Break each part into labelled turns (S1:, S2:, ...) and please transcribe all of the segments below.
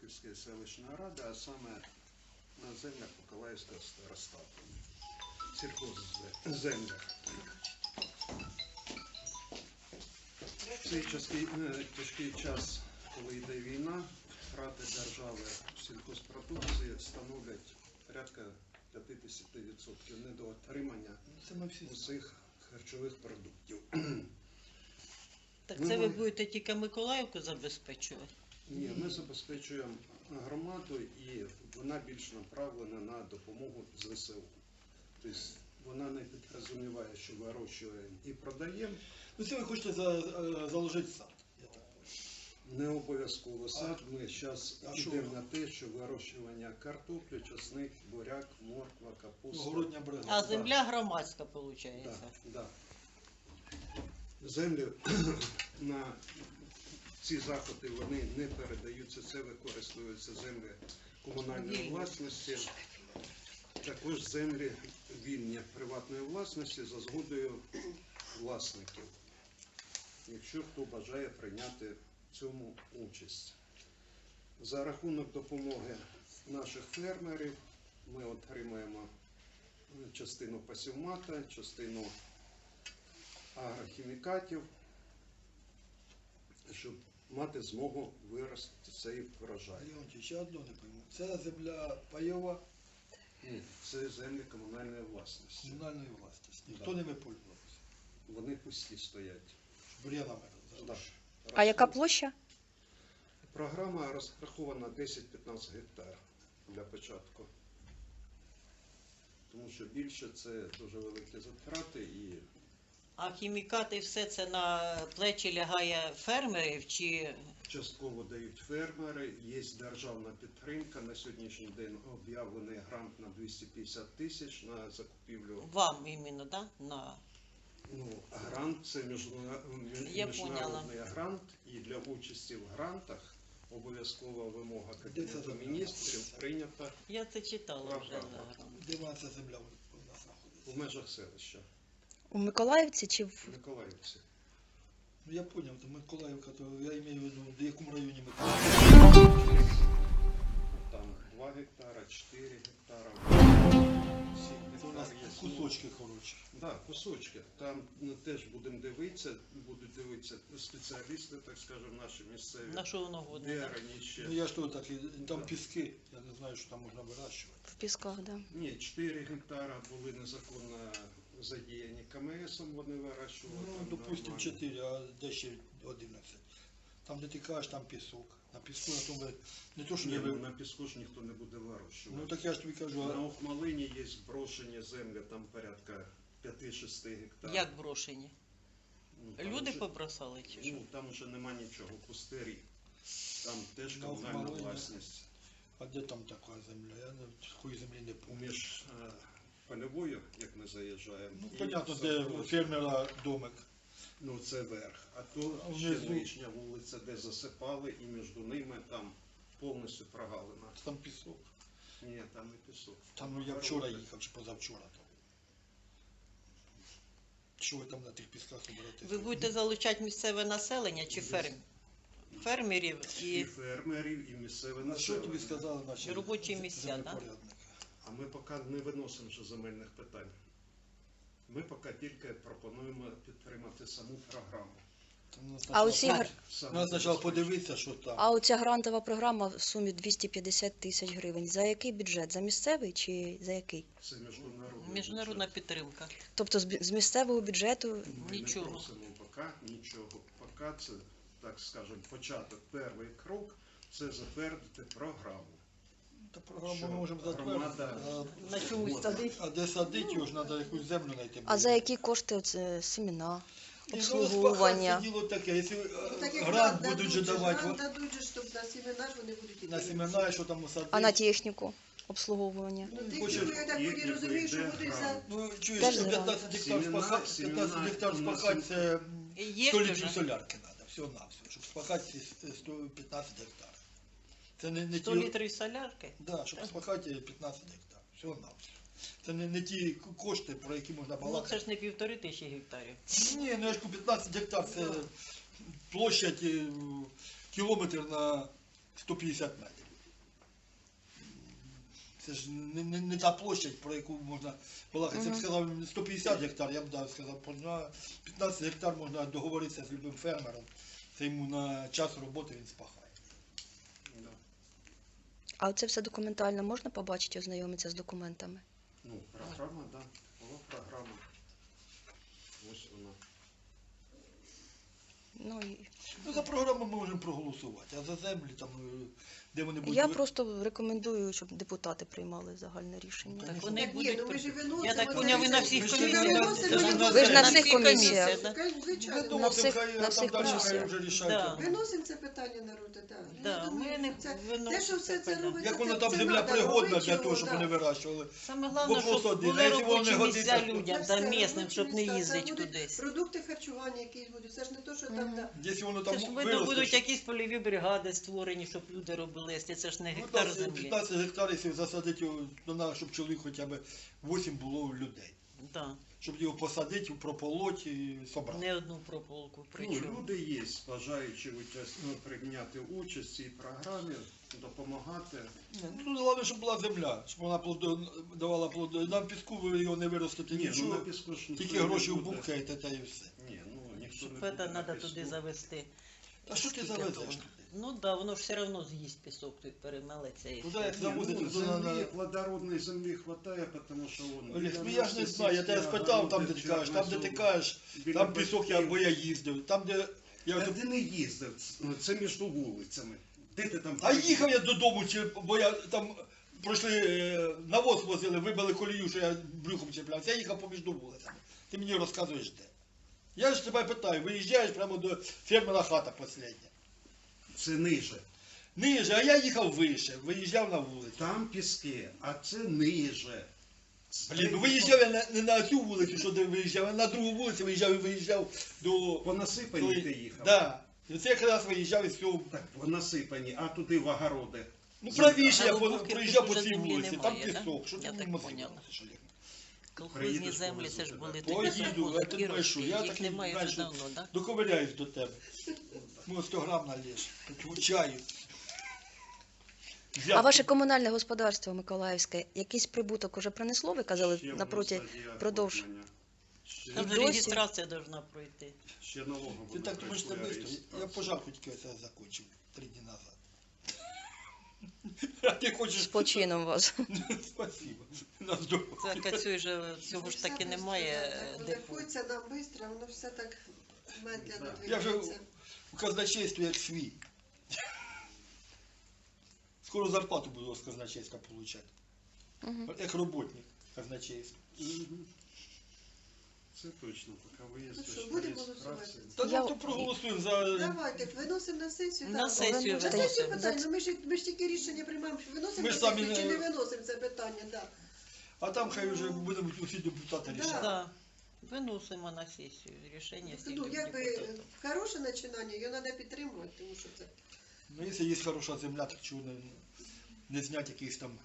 S1: Курахівської селищної ради, а саме на землях Миколаївського старостату. Сільхозземлях. В цей тяжкий час, коли йде війна, втрати держави в сільхозпродукції становлять порядка 50% недоотримання усіх харчових продуктів.
S2: Так це ви будете тільки Миколаївку забезпечувати?
S1: Ні, ми забезпечуємо громаду і вона більш направлена на допомогу ЗСУ. Тобто вона не підрозуміває, що вирощуємо і продаємо.
S3: Ну це ви хочете заложити сад, я так бачу.
S1: Не обов'язково сад. Ми зараз йдемо на те, що вирощування картоплі, часник, буряк, морква, капуста.
S3: Огородня бригада.
S2: А земля громадська, виходить?
S1: Так, так. Землі на ці заходи вони не передаються, це використовуються землі комунальної власності, також землі вільні приватної власності за згодою власників, якщо хто бажає прийняти в цьому участь. За рахунок допомоги наших фермерів ми отримаємо частину пасівмата, частину агрохімікатів, щоб мати змогу виростити цей врожай.
S3: Леонтій, ще одно не пойму. Це земля пайова?
S1: Ні, це землі комунальної власності.
S3: Комунальної власності. Ніхто ними пользувався.
S1: Вони пусті стоять.
S3: Бур'янами.
S1: Да.
S4: А яка площа?
S1: Програма розрахована 10-15 гектар для початку. Тому що більше це дуже великі затрати і
S2: А хімікати все це на плечі лягає фермерів чи
S1: частково дають фермери, є державна підтримка. На сьогоднішній день об'явлений грант на 250 тисяч на закупівлю.
S2: вам іменно, да? На...
S1: Грант – це міжнародний грант, і для участі в грантах обов'язкова вимога Кабінету міністрів прийнята
S2: Я це читала вже
S1: Програма.
S2: зараз.
S3: Де вона ця земля у нас знаходиться?
S1: в межах селища
S4: У Миколаївці чи в
S1: в Миколаївці.
S3: Ну я зрозумів, то Миколаївка, то я маю в виду, в якому районі Миколаївка?
S1: Там 2 гектара, 4 гектара, 7
S3: Це у нас
S1: гектар є.
S3: кусочки хороші.
S1: Так, кусочки. Там теж будуть дивитися спеціалісти, так скажемо, наші місцеві.
S2: На що воно годне?
S1: Де
S2: да?
S1: раніше.
S3: Ну я ж то так, там піски, я не знаю, що там можна вирощувати.
S4: в Пісках, да.
S1: Ні, 4 гектара були незаконно задіяні КМСом, вони вирощували.
S3: Ну,
S1: там
S3: допустим,
S1: нормально.
S3: 4, а де ще 11. Там, де ти кажеш, там пісок. На піску, на тому, не то, що
S1: Ні,
S3: не
S1: ну, на піску ж ніхто не буде вирощувати.
S3: Ну так я ж тобі кажу,
S1: На
S3: а
S1: Охмалині є брошені землі, там порядка 5-6 гектарів.
S2: Як брошені?
S1: Ну, там
S2: Люди
S1: вже-
S2: побросали чи що?
S1: Ну, там вже нема нічого, пустирі. Там теж
S3: На
S1: комунальна
S3: Охмалині.
S1: власність.
S3: а де там така земля? Я такої землі не пам'ятаю.
S1: Між польовою, як ми заїжджаємо.
S3: Ну,
S1: і
S3: понятно, де
S1: садовою.
S3: у фермера домик.
S1: Ну, це верх. А то
S3: А
S1: ще
S3: внизу?
S1: нижня вулиця, де засипали, і між ними там повністю прогалина.
S3: Там пісок.
S1: Ні, там не пісок.
S3: Там, ну, я вчора їхав, чи позавчора там. Що ви там на тих пісках оберете?
S2: Ви будете залучати місцеве населення чи фермерів
S1: І
S2: і
S1: фермерів, і місцеве
S3: На що тобі
S1: населення.
S3: сказали наші
S2: Робочі місця, да?
S3: землепорядники?
S1: А ми поки не виносимо вже земельних питань. Ми поки тільки пропонуємо підтримати саму програму.
S3: Там нас
S4: А оці
S3: спочатку-
S1: Саме
S3: Нас спочатку подивитися, що там.
S4: А оця грантова програма в сумі 250 тисяч гривень. За який бюджет? За місцевий чи за який?
S1: Це міжнародний
S2: міжнародна
S1: бюджет.
S2: підтримка.
S4: Тобто з місцевого бюджету
S1: Ми
S2: Нічого.
S1: не просимо поки нічого. Поки це, так скажемо, початок, перший крок – це затвердити програму.
S3: Та програму
S1: Що
S3: ми можемо
S1: громада-
S3: затвердити.
S2: На чомусь садить.
S3: А де садити його ж треба якусь землю знайти.
S4: а за які кошти оце семена,
S3: Ну,
S4: обслуговування?
S3: Це діло таке, якщо
S5: Так як
S3: грант
S5: дадуть
S3: будуть
S5: же,
S3: же давати
S5: грант дадуть же, щоб на семена ж вони будуть
S3: на
S5: іти.
S3: семена, що там садити.
S4: А на техніку обслуговування?
S5: Ну, ти
S3: Хочеш-
S5: я так
S1: Їхні
S5: не розумію, що
S1: йде
S5: будуть за...
S1: грант.
S3: Ну, чуєш,
S4: Теж
S3: 15 гектар
S1: Семена-
S3: спахати,
S1: семена
S3: 15 гектар
S1: у нас
S3: спахати, це
S2: Є
S3: 100
S2: вже?
S3: літрів солярки треба, всього-навсього, щоб спахати ці 115 гектар. Це не
S2: 100
S3: ті,
S2: літрів солярки?
S3: да, щоб спахати 15 гектар, всього-навсього. Це не ті кошти, про які можна
S2: Ну
S3: балакати.
S2: це ж не 1500 гектарів.
S3: Ні, ну я ж кажу, 15 гектар це площадь кілометр на 150 метрів. Це ж не та площадь, про яку можна балакати. Це б сказав 150 гектар, я б сказав, на 15 гектар можна договоритися з любим фермером. Це йому на час роботи він спахає.
S1: Да.
S4: А це все документально можна побачити, ознайомитися з документами?
S1: Ну, програма, да. Була програма. Ось вона.
S4: Ну, і...
S3: Ну, за програму ми можемо проголосувати, а за землі, там, де вони будуть...
S4: Я просто рекомендую, щоб депутати приймали загальне рішення.
S3: Так,
S2: Так вони
S5: Так ні,
S2: будуть.
S5: ну ми ж і виносимо.
S2: Я так
S5: це
S2: поняв, ви на
S5: все.
S2: всіх
S3: Ми ж
S2: комісіях.
S5: виносимо,
S4: Ви ж на
S2: На
S4: всіх
S2: всіх
S4: комісіях.
S5: Звичайно.
S4: На всіх-
S3: хай,
S4: на всіх
S3: там далі
S4: комісіях.
S3: хай вже рішають.
S2: Да.
S5: Виносимо це питання на розгляд, так.
S2: Да, ми не
S5: Те, що все це
S2: виносимо.
S5: робиться,
S3: Як воно
S5: це-
S3: там
S5: це
S3: земля
S5: надо
S3: пригодна
S5: робити
S3: для
S5: його,
S3: того, щоб
S5: да.
S3: вони вирощували.
S2: Саме головне,
S3: Вопрос
S2: щоб
S3: один, а
S2: були
S3: якщо воно
S2: робочі
S3: не
S2: місця
S3: годиться,
S2: людям
S5: Це
S2: та
S5: все
S2: місним,
S5: робочі
S2: щоб не
S5: місця, це
S2: їздити
S5: будуть
S2: кудись.
S5: Продукти харчування якісь будуть, це ж не то, що там, да.
S3: Якщо воно там
S2: Це ж видно,
S3: виросте,
S2: будуть
S3: що-
S2: якісь польові бригади створені, щоб люди робили, якщо це ж не
S3: Ну,
S2: гектар
S3: так,
S2: землі.
S3: 15 гектарів, якщо засадити його, то треба, щоб чоловік хоча б 8 було людей.
S2: Да.
S3: Щоб його посадити, прополоть і собрати.
S2: Не одну прополку,
S1: Ну,
S2: причому.
S1: люди є, бажаючи прийняти участь в цій програмі, допомагати.
S3: Ну, головне, щоб була земля, щоб вона давала плоди. На піску ви його не виростите
S1: Ні, ну на
S3: нічого,
S1: піску ж ніхто
S3: тільки
S1: не
S3: гроші
S1: буде.
S3: вбухаєте та і все.
S1: Ні, ну ніхто
S2: Щоб
S1: не
S2: це
S1: буде на
S2: треба
S1: піску.
S2: туди завести.
S3: Та що ти
S2: Скільки
S3: завезеш
S2: того?
S3: туди?
S2: Ну так, да, воно ж все одно з'їсть пісок, той перемелеться і
S3: Туди
S2: все.
S3: як
S1: Ні,
S3: завозити,
S1: ну,
S3: туди на...
S1: землі, плодородної землі хватає, тому що вон...
S3: Олег,
S1: біля
S3: ну я ж не
S1: нас
S3: знаю, я тебе
S1: сільські
S3: спитав, там де
S1: огороди,
S3: ти кажеш, там де ти
S1: чорнозем,
S3: кажеш,
S1: біля
S3: там пісок,
S1: батьків.
S3: бо я їздив, там де... Я...
S1: Та ти не їздив, це між вулицями. Де ти там...
S3: А їхав я додому, бо я там пройшли, навоз возили, вибили колію, що я брюхом чіплявся, я їхав поміж вулицями. Ти мені розказуєш де. Я ж тебе питаю, виїжджаєш прямо до фермера хата последня.
S1: Це ниже.
S3: Ниже, а я їхав вище, виїжджав на вулицю.
S1: Там піски, а це ниже.
S3: Блін, ну виїжджав я не на цю вулицю, що де виїжджав, а на другу вулицю виїжджав до...
S1: По насипанні ти їхав.
S3: Да. І це якраз виїжджав із цього...
S1: Так, по насипанні, а туди в огороди.
S3: Ну правіше,
S2: А
S3: я
S2: глибоких
S3: проїжджав по
S2: тут
S3: цій
S2: вже землі
S3: вулиці, там
S2: немає, да?
S3: пісок. Що
S2: Я
S3: ти
S2: так
S3: мені
S2: поняла.
S3: мозги Олег?
S2: Колхозні
S1: Приїдеш,
S2: землі, це ж
S1: повезу
S2: були
S1: тебе.
S2: тоді
S3: Поїду, я тут
S2: совхозні,
S3: брешу, я
S2: їх
S3: так
S2: немає
S3: знаєш,
S2: вже давно, так?
S3: Доковиряюсь до тебе. Ну, 100 грам налєш, таку чаю.
S4: А ваше комунальне господарство Миколаївське, якийсь прибуток уже принесло, ви казали,
S1: Ще
S4: напроти
S1: воно стадія
S4: продовж.
S1: оформлення. Ще-
S2: Там же
S4: досі?
S2: реєстрація повинна пройти.
S1: Ще налогова
S3: Ти так думаєш, це
S1: пройшла
S3: швидко? Я
S1: реєстрацію.
S3: пожарку тільки це закончив 3 дні назад. А ти хочеш...
S4: З почином вас.
S3: Спасибо. На здоров'я.
S2: Це Кацюй же цього ж таки немає депо.
S5: Рахується нам швидко, воно все так медленно
S3: Я вже
S5: двигається.
S3: у казначействі як свій. Скоро зарплату буду з казначейства получати.
S4: Мгм.
S3: Як роботник казначейства.
S1: Мгм. Це точно, поки
S5: Ну
S1: виїздиш
S5: що,
S1: по
S5: будемо
S1: реєстрації.
S5: голосувати?
S3: Та
S4: Я-
S3: ну то проголосуємо за...
S5: Давайте, виносимо на сесію.
S2: На
S5: так.
S2: сесію
S5: На сесію
S2: виносимо.
S5: питання, ну ми ж тільки рішення приймаємо, що виносимо
S3: Ми
S5: на
S3: ж самі
S5: сесію чи
S3: не-
S5: не виносимо це питання, да.
S3: А там хай вже будемо усі депутати
S5: Да.
S3: рішати.
S2: Так, виносимо на сесію рішення всіх
S5: Ну, якби
S2: депутатів.
S5: хороше починання, його треба підтримувати, тому що це...
S3: Ну, якщо є хороша земля, так чого не зняти якийсь там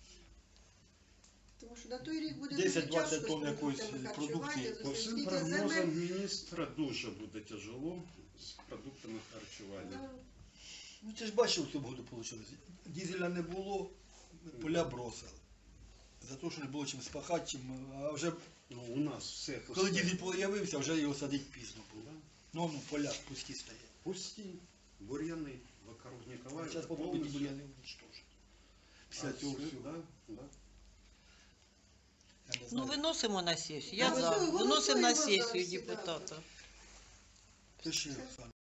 S5: Тому що на той рік буде
S3: 10-20
S5: дуже тяжко з
S3: тонн якоїсь
S5: продуктами
S3: продукції.
S5: харчування,
S1: По всім
S5: скільки земель.
S1: прогнозам міністра дуже буде тяжело з продуктами харчування.
S5: Да.
S3: Ну ти ж бачив, в цьому году вийшло. Дізеля не було, поля бросили. За те, що не було чим спахати, чим... А вже
S1: Ну, у нас все
S3: коли
S1: пусте.
S3: дізель з'явився, вже його садити пізно було.
S1: Да.
S3: Ну, поля пусті стоять.
S1: Пусті, бур'яни, вокруг
S3: Зараз
S1: Ніколаєва.
S3: попробуйте бур'яни уничтожити. Після цього всього.
S1: Да, да.
S3: Я не
S2: Ну,
S3: знаю.
S2: виносимо на сесію. Я за.
S5: Голосуємо
S2: Виносимо на
S5: за
S2: сесію
S5: всі, да.
S2: депутата.
S3: Пиши, Оксана.